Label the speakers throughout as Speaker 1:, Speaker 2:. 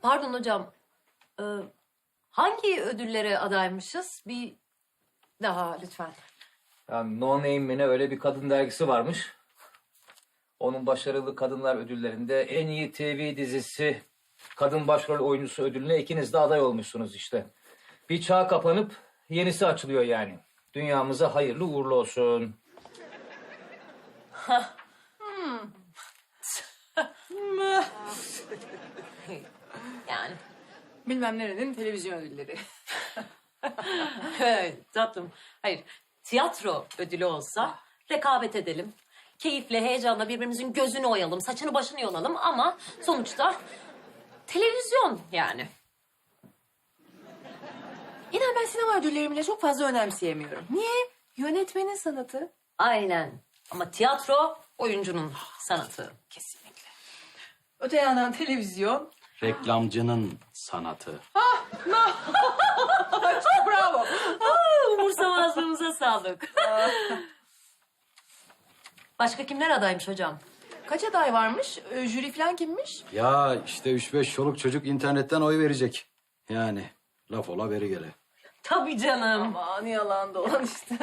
Speaker 1: Pardon hocam. Ee, hangi ödüllere adaymışız? Bir daha lütfen.
Speaker 2: Yani No Name mi ne öyle bir kadın dergisi varmış. Onun başarılı kadınlar ödüllerinde en iyi TV dizisi kadın başrol oyuncusu ödülüne ikiniz de aday olmuşsunuz işte. Bir çağ kapanıp yenisi açılıyor yani. Dünyamıza hayırlı uğurlu olsun.
Speaker 1: Yani.
Speaker 3: Bilmem nerenin televizyon ödülleri.
Speaker 1: Evet, tatlım. Hayır, tiyatro ödülü olsa rekabet edelim. Keyifle, heyecanla birbirimizin gözünü oyalım, saçını başını yolalım ama sonuçta televizyon yani.
Speaker 3: İnan ben sinema ödüllerimi bile çok fazla önemseyemiyorum. Niye? Yönetmenin sanatı.
Speaker 1: Aynen. Ama tiyatro oyuncunun sanatı.
Speaker 3: Kesinlikle. Öte yandan televizyon.
Speaker 4: Reklamcının sanatı.
Speaker 3: Bravo.
Speaker 1: Umursamazlığımıza sağlık. Başka kimler adaymış hocam?
Speaker 3: Kaç aday varmış? Jüri falan kimmiş?
Speaker 4: Ya işte 3-5 çoluk çocuk internetten oy verecek. Yani laf ola beri gele.
Speaker 1: Tabii canım.
Speaker 3: Aman yalan dolan işte.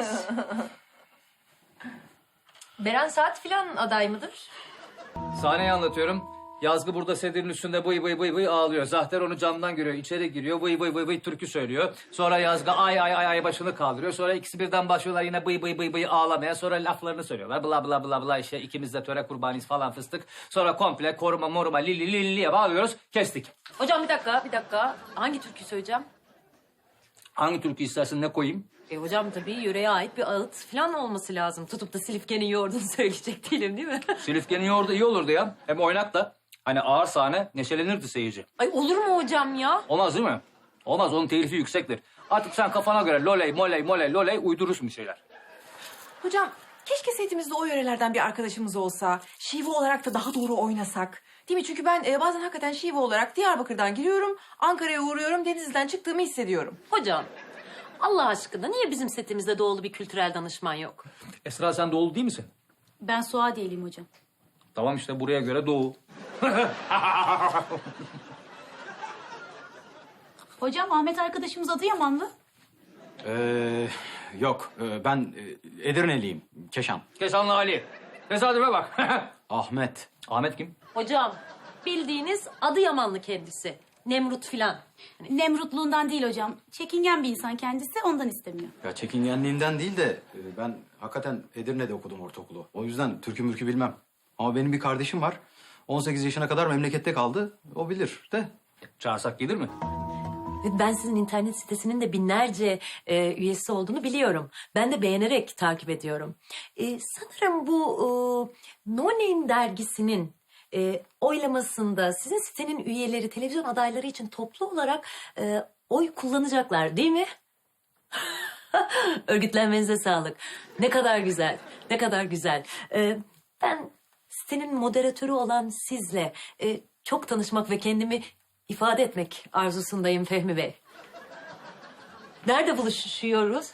Speaker 1: Beren Saat filan aday mıdır?
Speaker 2: Sahneyi anlatıyorum. Yazgı burada sedirin üstünde bıy bıy bıy bıy ağlıyor. Zahter onu camdan görüyor. İçeri giriyor. Bıy bıy bıy bıy türkü söylüyor. Sonra Yazgı ay ay ay ay başını kaldırıyor. Sonra ikisi birden başlıyorlar yine bıy bıy bıy bıy ağlamaya. Sonra laflarını söylüyorlar. Bla bla bla bla işte ikimiz de töre kurbanıyız falan fıstık. Sonra komple koruma moruma li liye bağlıyoruz. Kestik.
Speaker 1: Hocam bir dakika. Hangi türkü söyleyeceğim?
Speaker 2: Hangi türkü istersin ne koyayım?
Speaker 1: Hocam tabii yöreye ait bir ağıt falan olması lazım. Tutup da Silifke'nin yoğurdunu söyleyecek değilim değil mi?
Speaker 2: Silifke'nin yoğurdu iyi olurdu ya. Hem oynak da. Hani ağır sahne neşelenirdi seyirci.
Speaker 1: Ay olur mu hocam ya?
Speaker 2: Olmaz değil mi? Olmaz onun telifi yüksektir. Artık sen kafana göre loley moley loley uydurursun bir şeyler.
Speaker 3: Hocam keşke setimizde o yörelerden bir arkadaşımız olsa. Şive olarak da daha doğru oynasak. Değil mi? Çünkü ben bazen hakikaten şive olarak Diyarbakır'dan giriyorum. Ankara'ya uğruyorum. Denizli'den çıktığımı hissediyorum.
Speaker 1: Hocam Allah aşkına niye bizim setimizde doğulu bir kültürel danışman yok?
Speaker 2: Esra sen doğulu değil misin?
Speaker 5: Ben Suadiye'liyim hocam.
Speaker 2: Tamam işte buraya göre doğu.
Speaker 5: Hocam Ahmet arkadaşımız Adıyamanlı.
Speaker 4: Yok ben Edirneliyim. Keşan.
Speaker 2: Keşanlı Ali. Tesadüfe bak.
Speaker 4: Ahmet.
Speaker 2: Ahmet kim?
Speaker 1: Hocam bildiğiniz Adıyamanlı kendisi. Nemrut filan.
Speaker 5: Nemrutluğundan değil hocam. Çekingen bir insan kendisi, ondan istemiyor.
Speaker 4: Ya çekingenliğinden değil de ben hakikaten Edirne'de okudum ortaokulu. O yüzden türkü mürkü bilmem. Ama benim bir kardeşim var. 18 yaşına kadar memlekette kaldı. O bilir de.
Speaker 2: Çağırsak gelir mi?
Speaker 1: Ben sizin internet sitesinin de binlerce üyesi olduğunu biliyorum. Ben de beğenerek takip ediyorum. Sanırım bu No Name dergisinin oylamasında sizin sitenin üyeleri televizyon adayları için toplu olarak oy kullanacaklar değil mi? Örgütlenmenize sağlık. Ne kadar güzel, ne kadar güzel. Ben sitenin moderatörü olan sizle çok tanışmak ve kendimi ifade etmek arzusundayım Fehmi Bey. Nerede buluşuyoruz?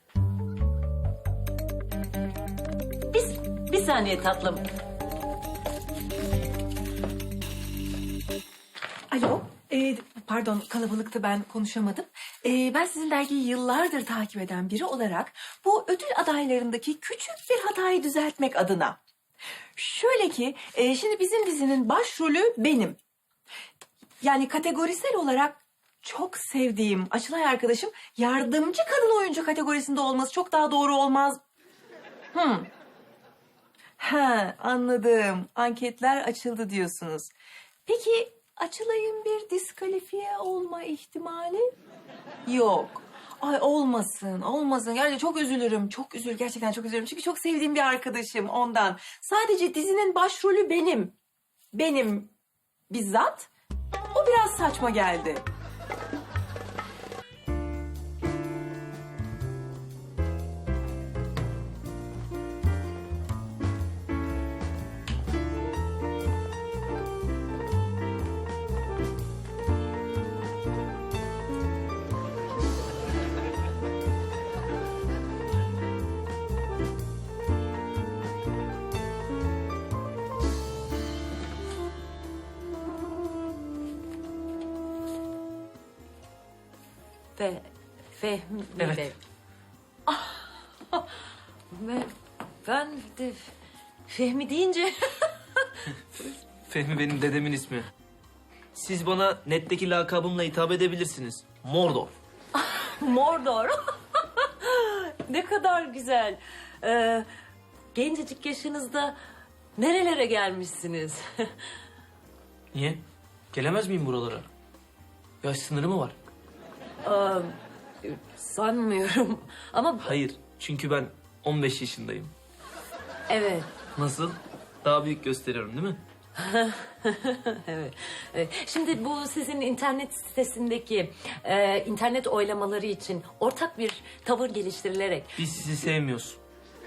Speaker 1: Bir saniye tatlım.
Speaker 3: Alo. Pardon kalabalıktı ben konuşamadım. Ben sizin dergiyi yıllardır takip eden biri olarak bu ödül adaylarındaki küçük bir hatayı düzeltmek adına. Şöyle ki şimdi bizim dizinin başrolü benim. Yani kategorisel olarak çok sevdiğim Açılay arkadaşım yardımcı kadın oyuncu kategorisinde olması çok daha doğru olmaz. Ha anladım. Anketler açıldı diyorsunuz. Peki Açılay'ın bir diskalifiye olma ihtimali yok. Ay olmasın. Yani çok üzülürüm. Gerçekten çok üzülürüm. Çünkü çok sevdiğim bir arkadaşım ondan. Sadece dizinin başrolü benim. Benim bizzat. O biraz saçma geldi.
Speaker 1: Fehmi
Speaker 2: Evet.
Speaker 1: Bey. Ben de Fehmi deyince
Speaker 6: Fehmi benim dedemin ismi. Siz bana netteki lakabımla hitap edebilirsiniz. Mordor.
Speaker 1: Mordor. Ne kadar güzel. Gencecik yaşınızda nerelere gelmişsiniz?
Speaker 6: Niye? Gelemez miyim buralara? Yaş sınırı mı var?
Speaker 1: Sanmıyorum. Ama
Speaker 6: Hayır. Çünkü ben 15 yaşındayım.
Speaker 1: evet.
Speaker 6: Nasıl? Daha büyük gösteriyorum değil mi?
Speaker 1: Evet. Şimdi bu sizin internet sitesindeki internet oylamaları için ortak bir tavır geliştirilerek...
Speaker 6: Biz sizi sevmiyoruz.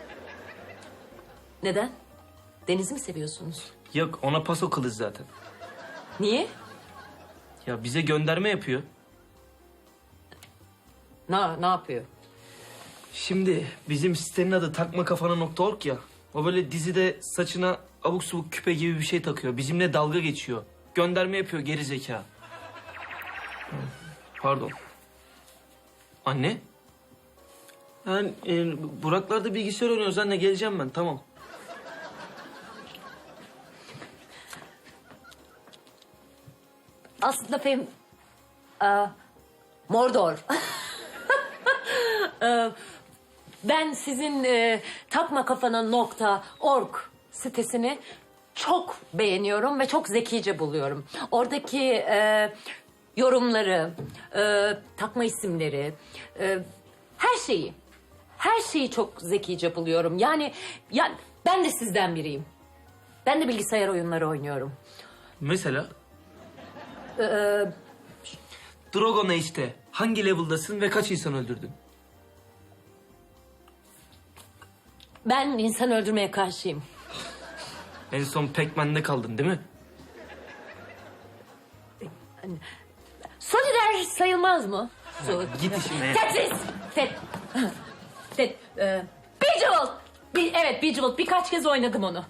Speaker 1: Neden? Deniz'i mi seviyorsunuz?
Speaker 6: Yok ona paso kılıç zaten.
Speaker 1: Niye?
Speaker 6: Ya bize gönderme yapıyor.
Speaker 1: Ne yapıyor?
Speaker 6: Şimdi bizim sitenin adı takmakafana.org ya. O böyle dizide saçına abuk subuk küpe gibi bir şey takıyor. Bizimle dalga geçiyor. Gönderme yapıyor geri zeka. Pardon. Anne? Yani Buraklar'da bilgisayar oynuyoruz anne geleceğim ben tamam.
Speaker 1: Aslında Mordor. Ben sizin takmakafana.org sitesini çok beğeniyorum ve çok zekice buluyorum. Oradaki yorumları, takma isimleri, her şeyi çok zekice buluyorum. Yani ben de sizden biriyim. Ben de bilgisayar oyunları oynuyorum.
Speaker 6: Mesela? Dragon Age'de hangi level'dasın ve kaç insan öldürdün?
Speaker 1: Ben insan öldürmeye karşıyım.
Speaker 6: En son Pac-Man'de kaldın değil mi?
Speaker 1: Solider sayılmaz mı?
Speaker 6: Git işine.
Speaker 1: Tetris! Bejeweled! Evet, Bejeweled. Birkaç kez oynadım onu.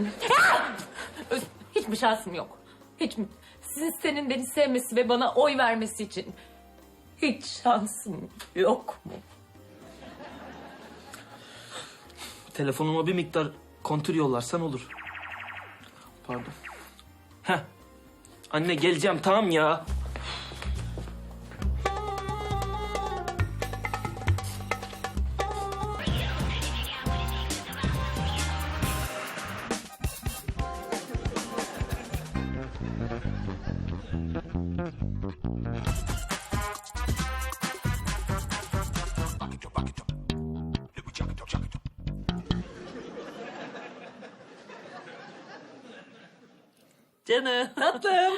Speaker 1: Hiçbir şansım yok. Senin beni sevmesi ve bana oy vermesi için hiç şansım yok mu?
Speaker 6: Telefonuma bir miktar kontür yollarsan olur. Pardon. Heh. Anne geleceğim tamam ya.
Speaker 1: Canım.
Speaker 3: Tatlım.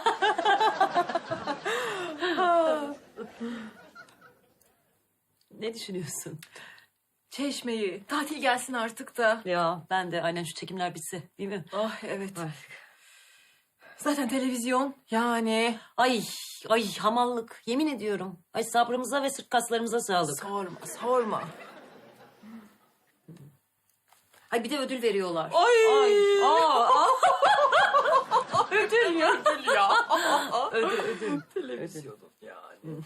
Speaker 1: Ne düşünüyorsun?
Speaker 3: Çeşmeyi. Tatil gelsin artık da.
Speaker 1: Ya ben de aynen şu çekimler bitse değil mi?
Speaker 3: Ah evet. Zaten televizyon yani.
Speaker 1: Ay hamallık yemin ediyorum. Ay sabrımıza ve sırt kaslarımıza sağlık.
Speaker 3: Sorma.
Speaker 1: Ay bir de ödül veriyorlar.
Speaker 3: Ay.
Speaker 1: Ödül ya. Ödül.
Speaker 3: Televizyonun yani.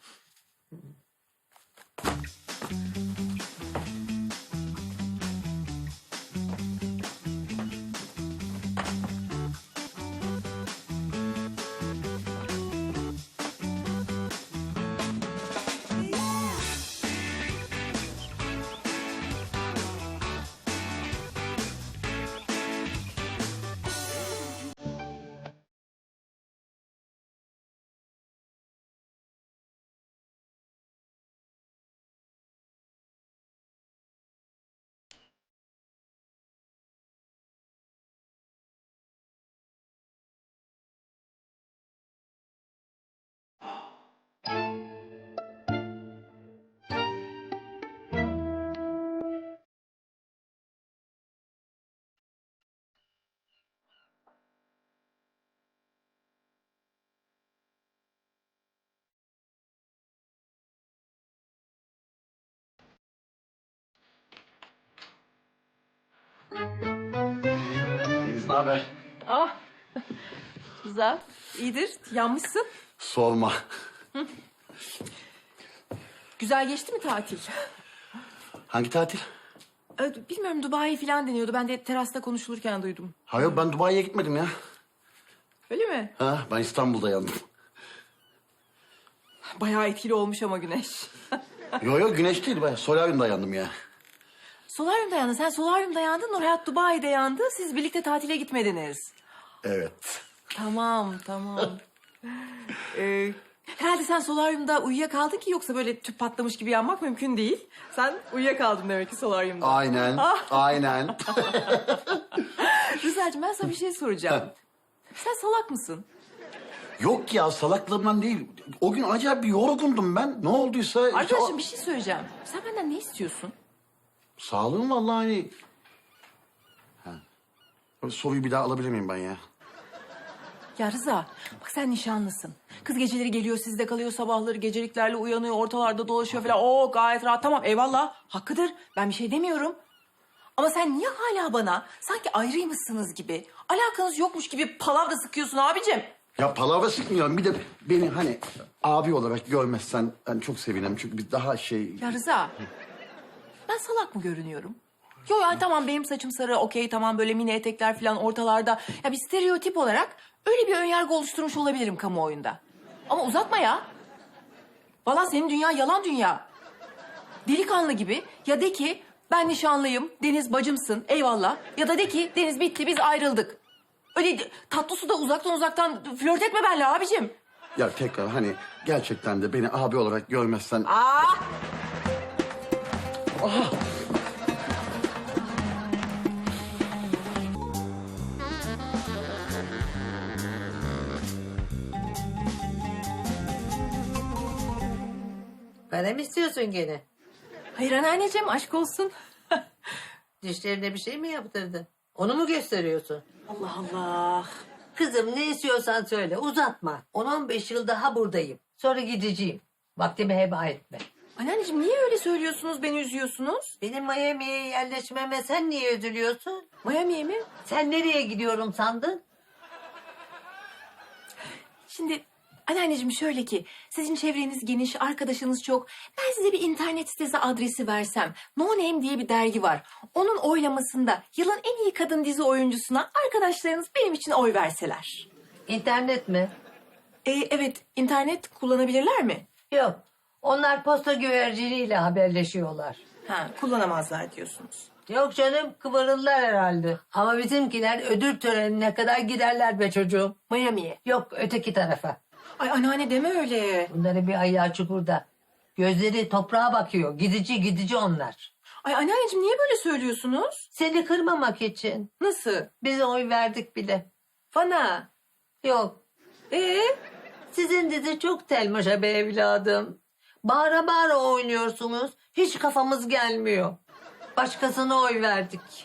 Speaker 7: Deniz ne haber?
Speaker 3: Ah. Güzel. İyidir. Yanmışsın.
Speaker 7: Sorma.
Speaker 3: Güzel geçti mi tatil?
Speaker 7: Hangi tatil?
Speaker 3: Bilmiyorum, Dubai falan deniyordu. Ben de terasta konuşulurken duydum.
Speaker 7: Hayır ben Dubai'ye gitmedim ya.
Speaker 3: Öyle mi?
Speaker 7: Ha, ben İstanbul'da yandım.
Speaker 3: Bayağı etkili olmuş ama güneş.
Speaker 7: Yo güneş değil ben solaryumda yandım ya.
Speaker 3: Solaryumda yandın. Sen solaryumda yandın, Nurhayat Dubai'de yandı. Siz birlikte tatile gitmediniz.
Speaker 7: Evet.
Speaker 3: Tamam. Herhalde sen solaryumda uyuyakaldın ki, yoksa böyle tüp patlamış gibi yanmak mümkün değil. Sen uyuyakaldın demek ki solaryumda.
Speaker 7: Aynen. Aynen.
Speaker 3: Rıza'cığım, ben sana bir şey soracağım. Sen salak mısın?
Speaker 7: Yok ya salaklığımdan değil. O gün acayip bir yorgundum ben. Ne olduysa...
Speaker 3: Arkadaşım, bir şey söyleyeceğim. Sen benden ne istiyorsun?
Speaker 7: Sağlığım vallahi hani... Ha. Soruyu bir daha alabilir miyim ben ya?
Speaker 3: Ya Rıza, bak sen nişanlısın. Kız geceleri geliyor, sizde kalıyor, sabahları geceliklerle uyanıyor, ortalarda dolaşıyor falan. Oo, gayet rahat, tamam, eyvallah, hakkıdır. Ben bir şey demiyorum. Ama sen niye hala bana sanki ayrıymışsınız gibi, alakanız yokmuş gibi palavra sıkıyorsun abicim?
Speaker 7: Ya palavra sıkmıyorum. Bir de beni hani abi olarak görmezsen hani çok sevinirim. Çünkü biz daha şey...
Speaker 3: Ya Rıza, ben salak mı görünüyorum? Yo yani tamam, benim saçım sarı, okey, tamam, böyle mini etekler falan ortalarda. Ya bir stereotip olarak öyle bir önyargı oluşturmuş olabilirim kamuoyunda. Ama uzatma ya. Vallahi senin dünya yalan dünya. Delikanlı gibi ya de ki ben nişanlıyım, Deniz bacımsın, eyvallah. Ya da de ki Deniz bitti, biz ayrıldık. Öyle tatlı suda uzaktan flört etme benimle abicim.
Speaker 7: Ya tekrar hani gerçekten de beni abi olarak görmezsen...
Speaker 8: Bana mı istiyorsun gene?
Speaker 3: Hayır anneanneciğim, aşk olsun.
Speaker 8: Dişlerine bir şey mi yaptırdın? Onu mu gösteriyorsun?
Speaker 3: Allah Allah.
Speaker 8: Kızım ne istiyorsan söyle uzatma. 10-15 yıl daha buradayım. Sonra gideceğim. Vaktimi heba etme.
Speaker 3: Anneanneciğim, niye öyle söylüyorsunuz, beni üzüyorsunuz?
Speaker 8: Benim Miami'ye yerleşmeme sen niye üzülüyorsun?
Speaker 3: Miami'ye mi?
Speaker 8: Sen nereye gidiyorum sandın?
Speaker 3: Şimdi anneanneciğim şöyle ki, sizin çevreniz geniş, arkadaşınız çok. Ben size bir internet sitesi adresi versem. No Name diye bir dergi var. Onun oylamasında yılın en iyi kadın dizi oyuncusuna arkadaşlarınız benim için oy verseler.
Speaker 8: İnternet mi?
Speaker 3: Evet, internet kullanabilirler mi?
Speaker 8: Yok. Onlar posta güverciniyle haberleşiyorlar.
Speaker 3: Ha, kullanamazlar diyorsunuz.
Speaker 8: Yok canım kıvırırlar herhalde. Ama bizimkiler ödül törenine kadar giderler be çocuğum.
Speaker 3: Miami'ye.
Speaker 8: Yok öteki tarafa.
Speaker 3: Ay anneanne deme öyle.
Speaker 8: Bunların bir ayağı çukurda. Gözleri toprağa bakıyor. Gidici onlar.
Speaker 3: Ay anneanneciğim, niye böyle söylüyorsunuz?
Speaker 8: Seni kırmamak için.
Speaker 3: Nasıl?
Speaker 8: Biz oy verdik bile.
Speaker 3: Bana.
Speaker 8: Yok. Sizin dizi çok telmaşa be evladım. Bağıra bağıra oynuyorsunuz. Hiç kafamız gelmiyor. Başkasına oy verdik.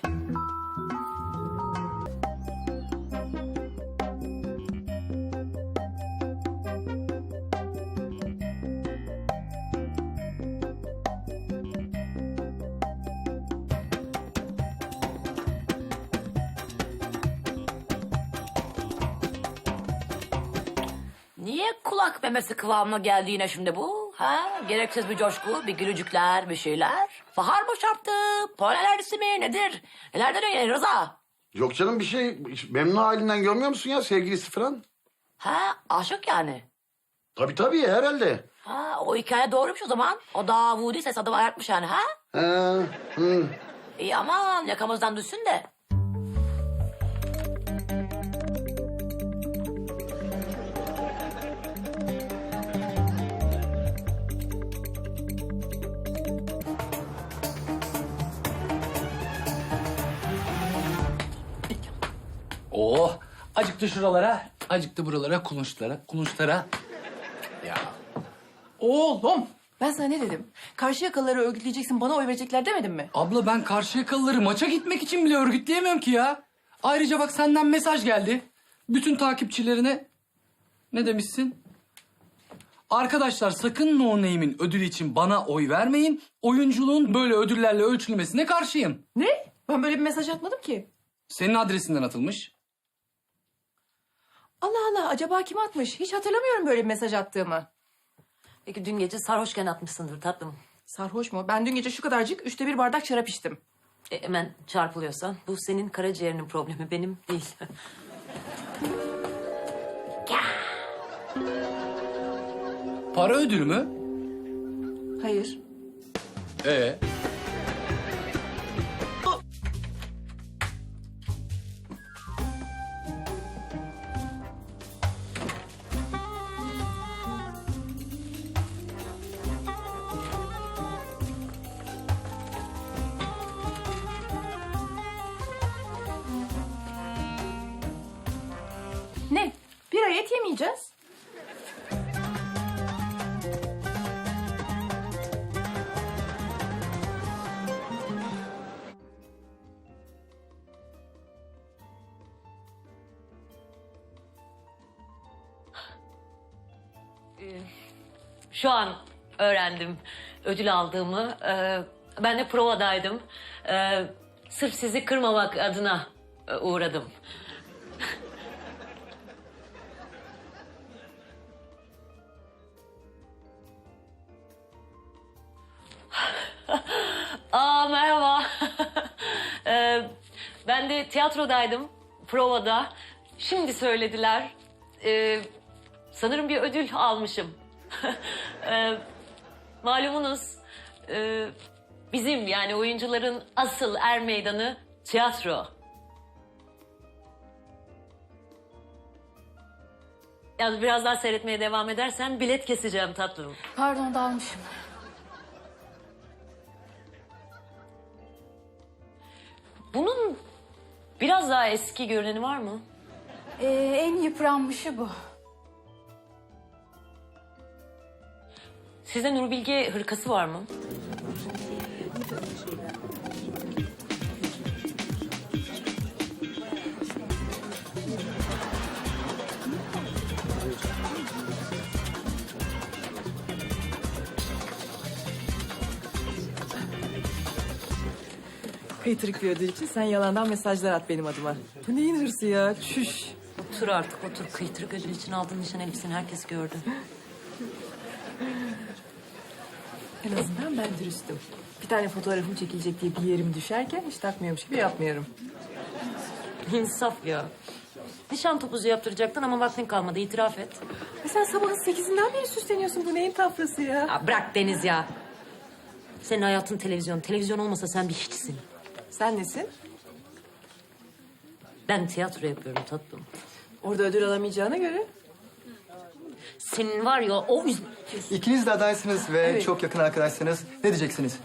Speaker 9: Niye kulak memesi kıvamına geldi yine şimdi bu? Ha? Gereksiz bir coşku, bir gülücükler, bir şeyler. Bahar mı çarptı? Polen alerjisi mi? Nedir? Nelerden öyle Rıza?
Speaker 7: Yok canım bir şey. Memnun halinden görmüyor musun ya sevgilisi falan?
Speaker 9: Ha? Aşık yani.
Speaker 7: Tabii herhalde.
Speaker 9: Ha? O hikaye doğruymuş o zaman. O Davudi ses adı ayartmış yani ha? İyi aman yakamızdan düşsün de.
Speaker 2: Oh, acıktı şuralara, acıktı buralara, kulunçlara. Ya.
Speaker 3: Oğlum, ben sana ne dedim? Karşıyakalıları örgütleyeceksin, bana oy verecekler demedim mi?
Speaker 10: Abla ben Karşıyakalıları maça gitmek için bile örgütleyemiyorum ki ya. Ayrıca bak senden mesaj geldi. Bütün takipçilerine ne demişsin? Arkadaşlar sakın No Name'in ödülü için bana oy vermeyin. Oyunculuğun böyle ödüllerle ölçülmesine karşıyım.
Speaker 3: Ne? Ben böyle bir mesaj atmadım ki.
Speaker 10: Senin adresinden atılmış.
Speaker 3: Allah Allah, acaba kim atmış? Hiç hatırlamıyorum böyle bir mesaj attığımı.
Speaker 1: Peki dün gece sarhoşken atmışsındır tatlım.
Speaker 3: Sarhoş mu? Ben dün gece şu kadarcık 1/3 bardak şarap içtim.
Speaker 1: Hemen çarpılıyorsan bu senin karaciğerinin problemi, benim değil.
Speaker 10: Para ödülü mü?
Speaker 3: Hayır. Ne? Bir ay et yemeyeceğiz.
Speaker 1: Şu an öğrendim ödül aldığımı. Ben de provadaydım. Sırf sizi kırmamak adına uğradım. Merhaba. Ben de tiyatrodaydım, provada. Şimdi söylediler. Sanırım bir ödül almışım. Malumunuz bizim yani oyuncuların asıl er meydanı tiyatro. Yani biraz daha seyretmeye devam edersen bilet keseceğim tatlım.
Speaker 5: Pardon dalmışım.
Speaker 1: Bunun biraz daha eski görüneni var mı?
Speaker 5: En yıpranmışı bu.
Speaker 1: Sizde Nur Bilge hırkası var mı?
Speaker 3: Kıytırık bir ödül için sen yalandan mesajlar at benim adıma. Bu neyin hırsı ya? Çüş.
Speaker 1: Otur artık otur. Kıytırık ödül için aldığın nişan elbiseni herkes gördü.
Speaker 3: En azından ben dürüstüm. Bir tane fotoğrafım çekilecek diye bir yerim düşerken hiç takmıyormuş gibi yapmıyorum.
Speaker 1: İnsaf ya. Nişan topuzu yaptıracaktın ama vaktin kalmadı, itiraf et.
Speaker 3: Sen sabahın 8'inden beri süsleniyorsun. Bu neyin tafrası ya?
Speaker 1: Ya bırak Deniz ya. Senin hayatın televizyon. Televizyon olmasa sen bir hiçsin.
Speaker 3: Sen nesin?
Speaker 1: Ben tiyatro yapıyorum tatlım.
Speaker 3: Orada ödül alamayacağına göre.
Speaker 1: Senin var ya o
Speaker 11: İkiniz de adaysınız ve
Speaker 3: Evet.
Speaker 11: çok yakın arkadaşsınız. Ne diyeceksiniz?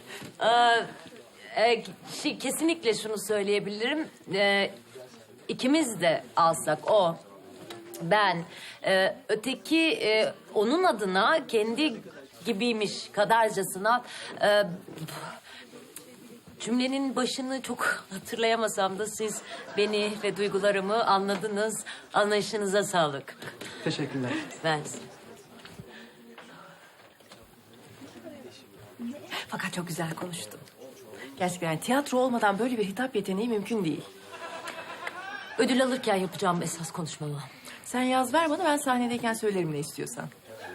Speaker 1: kesinlikle şunu söyleyebilirim. İkimiz de alsak o, ben, öteki onun adına kendi gibiymiş kadarcasına... cümlenin başını çok hatırlayamasam da siz beni ve duygularımı anladınız. Anlayışınıza sağlık.
Speaker 11: Teşekkürler.
Speaker 1: Ben...
Speaker 3: Fakat çok güzel konuştun. Gerçekten yani tiyatro olmadan böyle bir hitap yeteneği mümkün değil.
Speaker 1: Ödül alırken yapacağım esas konuşmamı.
Speaker 3: Sen yaz ver bana, ben sahnedeyken söylerim ne istiyorsan.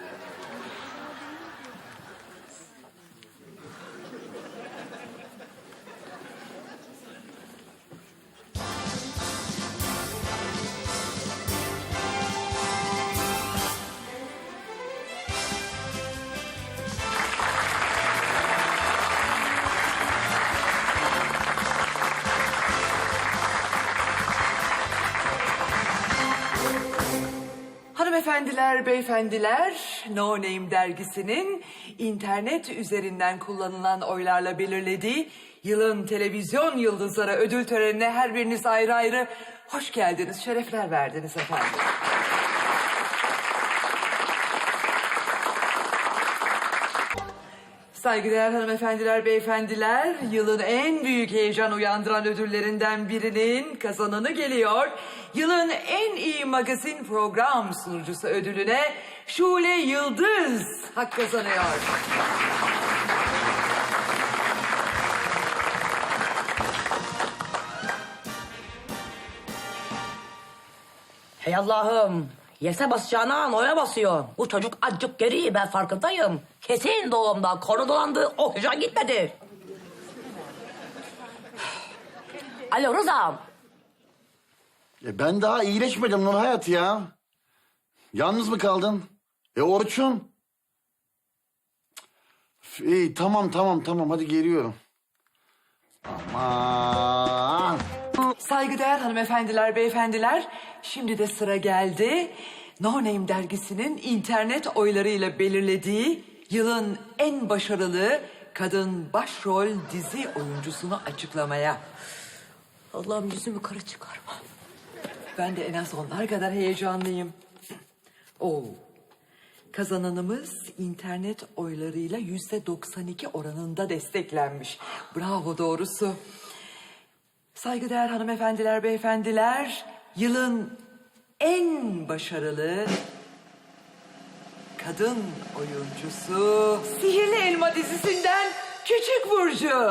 Speaker 12: Hanımefendiler, beyefendiler, No Name dergisinin internet üzerinden kullanılan oylarla belirlediği yılın televizyon yıldızları ödül törenine her biriniz ayrı ayrı hoş geldiniz, şerefler verdiniz efendim. Saygıdeğer hanımefendiler, beyefendiler, yılın en büyük heyecan uyandıran ödüllerinden birinin kazananı geliyor. Yılın en iyi magazin program sunucusu ödülüne Şule Yıldız hak kazanıyor.
Speaker 9: Hey Allah'ım. Yese basacağına noya basıyor. Bu çocuk azıcık geri, ben farkındayım. Kesin doğumdan konu dolandı, oksijen gitmedi. Alo Rıza'm.
Speaker 7: Ben daha iyileşmedim Nur Hayat ya. Yalnız mı kaldın? Orçun? İyi tamam hadi geliyorum. Aman.
Speaker 12: Saygıdeğer hanımefendiler, beyefendiler, şimdi de sıra geldi. No Name dergisinin internet oylarıyla belirlediği yılın en başarılı kadın başrol dizi oyuncusunu açıklamaya.
Speaker 1: Allah'ım yüzümü kara çıkarma.
Speaker 12: Ben de en az onlar kadar heyecanlıyım. Oo. Kazananımız internet oylarıyla %92 oranında desteklenmiş. Bravo doğrusu. Saygıdeğer hanımefendiler, beyefendiler, yılın en başarılı kadın oyuncusu Sihirli Elma dizisinden Küçük Burcu.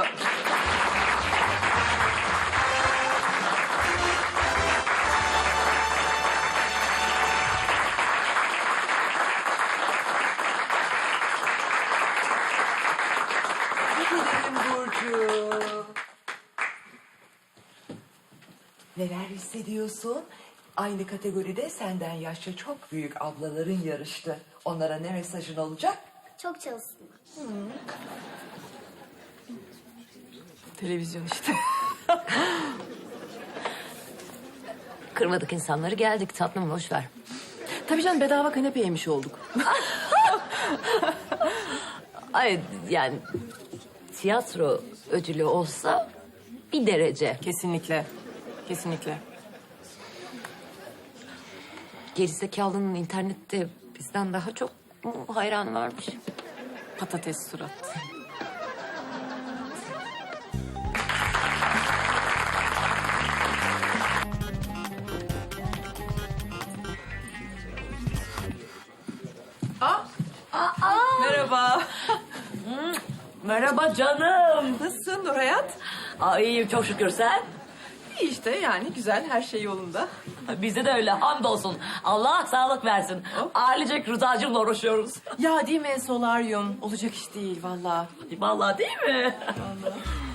Speaker 12: Burcu. Neler hissediyorsun? Aynı kategoride senden yaşça çok büyük ablaların yarıştı. Onlara ne mesajın olacak?
Speaker 5: Çok çalışsınlar.
Speaker 3: Televizyon işte.
Speaker 1: Kırmadık insanları, geldik tatlım, boş ver.
Speaker 3: Tabii canım, bedava kanepe yemiş olduk.
Speaker 1: Ay yani tiyatro ödülü olsa bir derece.
Speaker 3: Kesinlikle. Kesinlikle.
Speaker 1: Gerizekalının internette bizden daha çok hayranı varmış.
Speaker 3: Patates surat. Merhaba.
Speaker 9: Merhaba canım.
Speaker 3: Nasılsın Nur Hayat?
Speaker 9: Aa, iyiyim çok şükür, sen?
Speaker 3: İyi işte, yani güzel, her şey yolunda.
Speaker 9: Bizde de öyle, hamdolsun. Allah sağlık versin. Ailecek Rıza'cığımla uğraşıyoruz.
Speaker 3: Ya değil mi, solaryum? Olacak iş değil vallahi.
Speaker 9: Vallahi değil mi?
Speaker 3: Vallahi.